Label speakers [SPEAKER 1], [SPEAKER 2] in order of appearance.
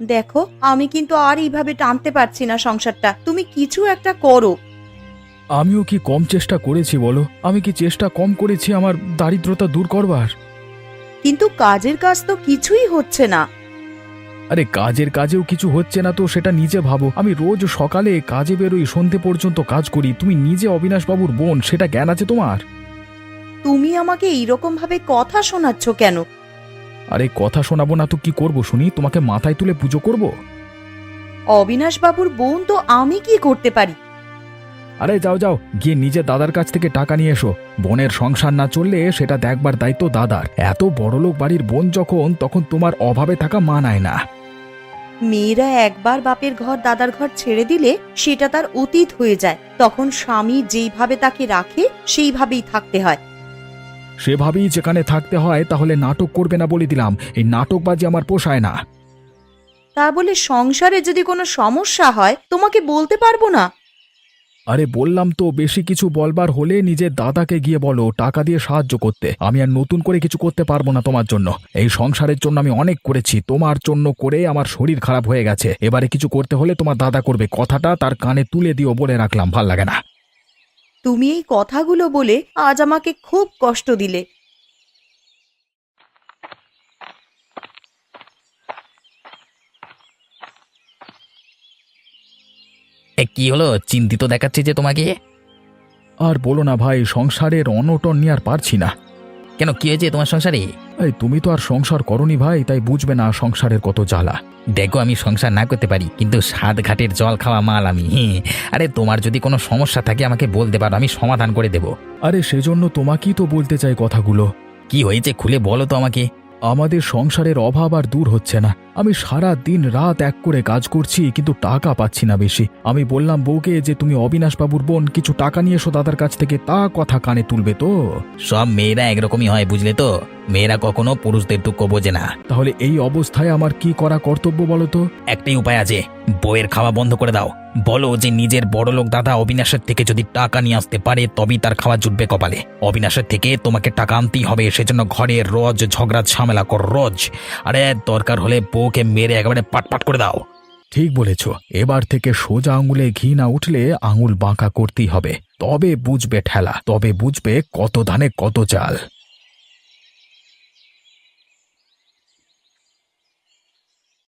[SPEAKER 1] দেখো, আমি কিন্তু আর এইভাবে টানতে পারছি না সংসারটা, তুমি কিছু একটা করো।
[SPEAKER 2] আমিও কি কম চেষ্টা করেছি বলো? আমি কি চেষ্টা কম করেছি আমার দারিদ্রতা দূর করবার?
[SPEAKER 1] কিন্তু কাজের কাজ তো কিছুই হচ্ছে না।
[SPEAKER 2] আরে কাজের কাজেও কিছু হচ্ছে না তো সেটা নিজে ভাবো। আমি রোজ সকালে কাজে বেরোই, সন্ধে পর্যন্ত কাজ করি। তুমি নিজে অবিনাশবাবুর বোন, সেটা জ্ঞান আছে তোমার?
[SPEAKER 1] তুমি আমাকে এইরকম ভাবে কথা শোনাচ্ছ কেন?
[SPEAKER 2] আরে কথা শোনাবো না তো কি করব শুনি? তোমাকে মাথায় তুলে পুজো করব?
[SPEAKER 1] অবিনাশ বাবুর বোন তো আমি কি করতে পারি?
[SPEAKER 2] আরে যাও যাও, গিয়ে নিজে দাদার কাছ থেকে টাকা নিয়ে এসো। বোনের সংসার না চললে সেটা দেখবার দায়িত্ব দাদার। এত বড়লোক বাড়ির বোন যখন, তখন তোমার অভাবে থাকা মানায় না।
[SPEAKER 1] মেয়েরা একবার বাপের ঘর দাদার ঘর ছেড়ে দিলে সেটা তার অতীত হয়ে যায়, তখন স্বামী যেইভাবে তাকে রাখে সেইভাবেই থাকতে হয়।
[SPEAKER 2] সেভাবেই যেখানে থাকতে হয়, তাহলে নাটক করবে না বলে দিলাম। এই নাটকবাজি আমার পোষায় না।
[SPEAKER 1] তা বলে সংসারে যদি কোনো সমস্যা হয় তোমাকে বলতে পারবো না?
[SPEAKER 2] আরে বললাম তো, বেশি কিছু বলবার হলে নিজের দাদাকে গিয়ে বলো টাকা দিয়ে সাহায্য করতে। আমি আর নতুন করে কিছু করতে পারবো না তোমার জন্য। এই সংসারের জন্য আমি অনেক করেছি, তোমার জন্য করে আমার শরীর খারাপ হয়ে গেছে। এবারে কিছু করতে হলে তোমার দাদা করবে। কথাটা তার কানে তুলে দিও, বলে রাখলাম, ভাল লাগে না।
[SPEAKER 1] তুমি এই কথাগুলো বলে আজ আমাকে খুব কষ্ট দিলে।
[SPEAKER 3] কি হলো, চিন্তিত দেখাচ্ছে যে তোমাকে?
[SPEAKER 2] আর বলো না ভাই, সংসারের অনটন নিয়ে আর পারছি না।
[SPEAKER 3] কেন, কি হয়েছে তোমার সংসারে?
[SPEAKER 2] এই তুমি তো আর সংসার করনি ভাই, তাই বুঝবে না সংসারের কত জ্বালা।
[SPEAKER 3] দেখো, আমি সংসার না করতে পারি, কিন্তু সাত ঘাটের জল খাওয়া মাল আমি। আরে তোমার যদি কোনো সমস্যা থাকে আমাকে বলতে পারো, আমি সমাধান করে দেব।
[SPEAKER 2] আরে সেজন্য তোমাকেই তো বলতে চাই কথাগুলো।
[SPEAKER 3] কি হয়েছে খুলে বলো তো আমাকে।
[SPEAKER 2] আমাদের সংসারের অভাব আর দূর হচ্ছে না। আমি সারা দিন রাত এক করে কাজ করছি, কিন্তু টাকা পাচ্ছি না বেশি। আমি বললাম বউকে যে তুমি অবিনাশবাবুর বোন, কিছু টাকা নিয়ে এসো দাদার কাছ থেকে। তা কথা কানে তুলবে তো?
[SPEAKER 3] সব মেয়েরা একরকমই হয়, বুঝলে তো। মেয়েরা কখনো পুরুষদের দুঃখ বোঝে না।
[SPEAKER 2] তাহলে এই অবস্থায় আমার কি করা কর্তব্য বলো তো?
[SPEAKER 3] একটাই উপায় আছে, বইয়ের খাওয়া বন্ধ করে দাও। বলো যে নিজের বড়লোক দাদা অবিনাশের থেকে যদি টাকা নিয়ে আসতে পারে তবেই তার খাওয়া জুটবে কপালে। অবিনাশের থেকে তোমাকে টাকা আনতেই হবে, সেজন্য ঘরে রোজ ঝগড়া ঝামেলা কর রোজ। আরে দরকার হলে বউকে মেরে একেবারে পাটপাট করে দাও।
[SPEAKER 2] ঠিক বলেছ। এবার থেকে সোজা আঙুলে ঘি না উঠলে আঙুল বাঁকা করতেই হবে। তবে বুঝবে ঠেলা, তবে বুঝবে কত ধানে কত চাল।